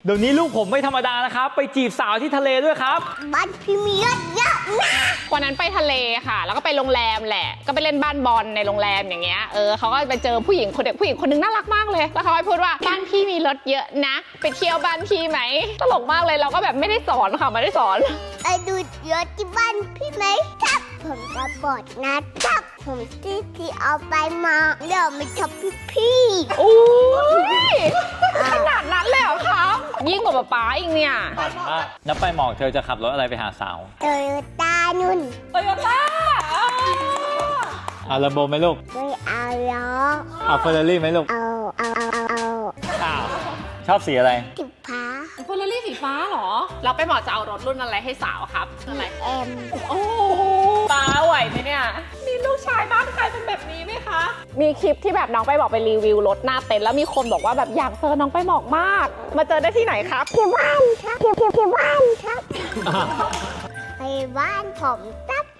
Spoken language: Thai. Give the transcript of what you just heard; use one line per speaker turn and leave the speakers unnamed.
เดี๋ยวนี้ลูกผมไม่ธรรมดานะครับไปจีบสาวที่ทะเลด้วยครับ
บ้านพี่มีรถเยอะนะ
วันนั้นไปทะเลค่ะแล้วก็ไปโรงแรมแหละก็ไปเล่นบ้านบอลในโรงแรมอย่างเงี้ยเขาก็ไปเจอผู้หญิงคนนึงน่ารักมากเลยแล้วเขาก็พูดว่าบ้านพี่มีรถเยอะนะไปเที่ยวบ้านพี่ไหมตลกมากเลยเราก็แบบไม่ได้สอนค่ะไม่ได้สอน
ไปดูรถที่บ้านพี่ไหมครับผมจะบอกนะครับผมที่เอาไปมาเดี๋ยวไม่ชอบพี่
โอ้ยขนาดนั้นเลยเหรอครับยิ่งกว่าป๊าอีกเนี่ย
นับไปหมอกเธอจะขับรถอะไรไปหาสาว
โตโยต้านุ่น
โตโยต้า
เอาลัมโบไหมลูก
ไม่เอาล้อ
เอาเฟอร์รารี่ไหมลูก
เอา
ชอบสีอะไร
สีฟ้า
เฟอร์รารี่สีฟ้าเหรอเราไปหมอจะเอารถรุ่นอะไรให้สาวครับอะไรโอ้ป้าไหวไหมเนี่ยมีลูกชายบ้านใครเป็นแบบนี้ไหมคะมีคลิปที่แบบน้องไปบอกไปรีวิวรถหน้าเต็นท์แล้วมีคนบอกว่าแบบอยากเจอน้องไปบอกมากมาเจอได้ที่ไหนครับ
ที่บ้านครับที่บ้านครับไปบ้านผมจ้า